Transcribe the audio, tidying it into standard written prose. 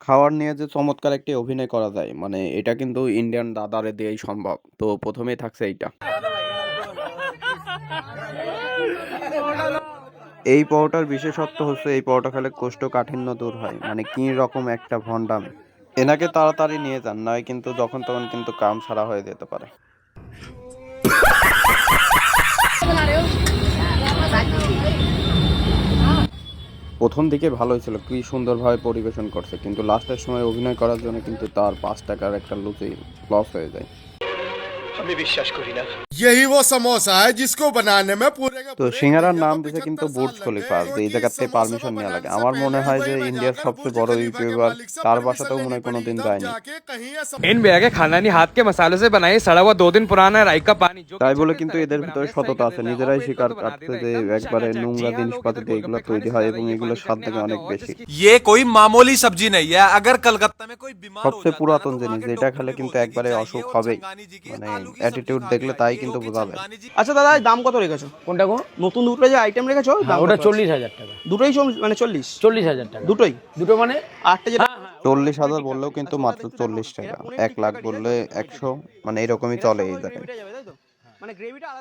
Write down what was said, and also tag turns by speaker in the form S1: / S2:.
S1: খাওয়ার নিয়ে যে চমৎকার একটি অভিনয় করা যায় মানে এটা কিন্তু ইন্ডিয়ান দাদারে দিয়েই সম্ভব। তো প্রথমেই থাকছে এইটা। এই পরোটার বিশেষত্ব হচ্ছে এই পরোটা খেলে কোষ্ঠকাঠিন্য দূর হয়। মানে কি রকম একটা ভন্ডামি! এনাকে তাড়াতাড়ি নিয়ে যান, নয় কিন্তু যখন তখন কিন্তু কাম ছাড়া হয়ে যেতে পারে। প্রথম দিকে ভালোই ছিল, কি সুন্দরভাবে পরিবেশন করছে, কিন্তু লাস্টের সময় অভিনয় করার জন্য কিন্তু তার ৫ টাকার একটা লস হয়ে যায়।
S2: আমি বিশ্বাস করি না।
S3: यही वो समोसा है जिसको बनाने में पूरे का
S1: তো
S3: पूरे
S1: সিঙ্গারার
S3: इंडिया
S1: নাম
S3: को
S1: দিছে কিন্তু
S3: 75
S1: বুর্জ
S3: साल लग
S1: খলিফা,
S3: गए
S1: যে
S3: और
S1: এই
S3: जिन
S1: জায়গাতে
S3: समोसों को
S1: পারমিশন নেওয়া লাগে।
S3: बनाने से
S1: আমার
S3: पहले
S1: মনে হয় যে
S3: दुबई में
S1: ইন্ডিয়ার
S3: जाकर
S1: সবচেয়ে
S3: बुर्ज
S1: বড়
S3: खलीफा के
S1: ইউটিউবার
S3: मालिक से
S1: তার
S3: परमिशन
S1: বাসাতেও মনে
S3: लेनी
S1: হয়
S3: पड़ी
S1: কোনোদিন
S3: तब
S1: যায়নি।
S3: जाके कहीं ये
S4: इन भैया के खानदानी हाथ के मसालों से बनाई सड़ा हुआ 2 दिन पुराना राई का पानी जो
S1: তাই
S4: कि
S1: বলে
S4: 36
S1: কিন্তু
S4: तरह की
S1: এদের ভিতরে
S4: बनावटें सही
S1: সততা
S4: कर
S1: আছে,
S4: देता है और
S1: নিজেরাই
S4: पेट को
S1: স্বীকার
S4: तो बना
S1: করছে
S4: देता
S1: যে
S4: है एकदम
S1: একবারে
S4: चकाचक। जी
S1: নোংরা
S4: हाँ, लोग
S1: জিনিসপাতি
S4: इधर
S1: দিয়ে এগুলো
S4: गोलगप्पे
S1: তৈরি
S4: खाने
S1: হয়
S4: से
S1: এবং
S4: ज्यादा ये
S1: এগুলোর
S4: पानी
S1: স্বাদ
S4: चटनी
S1: থাকে
S4: खाते
S1: অনেক
S4: हैं और
S1: বেশি।
S4: जिसकी
S2: ये कोई मामूली सब्जी नहीं है। अगर कलकत्ता में कोई बीमार हो
S1: সবচেয়ে
S2: जाता है ना
S1: পুরাতন
S2: तो वहाँ
S1: জিনিস
S2: के
S1: যেটা
S2: डॉक्टर
S1: খেলে
S2: भी
S1: কিন্তু
S2: बोलते हैं कि
S1: একবারে
S2: जाइए
S1: অসুখ
S2: और
S1: হবেই।
S2: छंगानी जी की
S1: মানে
S2: आलू की सब्जी
S1: অ্যাটিটিউড
S2: खा के
S1: দেখলে তাই
S2: आइए
S1: কিন্তু
S2: क्योंकि
S1: বোঝা যায়।
S2: छंगानी जी
S5: আচ্ছা দাদা এই দাম কত রেখেছো?
S4: কোনটা গো?
S5: নতুন দুটো যে আইটেম রেখেছো দাম
S4: ওটা
S5: কত আছে?
S4: 40,000 টাকা।
S5: দুটোই মানে 40?
S4: 40,000 টাকা
S5: দুটোই?
S4: দুটো মানে
S5: আটটা যেটা
S1: ৪০,০০০ বললেও কিন্তু
S5: আচ্ছা,
S1: মাত্র
S5: ওটাতে একটু
S1: ৪০
S5: দেখাও।
S1: টাকা,
S5: এরা পনির
S1: ১
S5: টিক্কা
S1: লাখ
S5: কারি, তাই
S1: বললে
S5: তো?
S1: ১০০, মানে এরকমই
S5: এটার
S1: চলে
S5: সঙ্গে
S1: এই
S5: ওই
S1: জায়গায়।
S5: গ্রেভিটা যাবে তাই তো? মানে গ্রেভিটা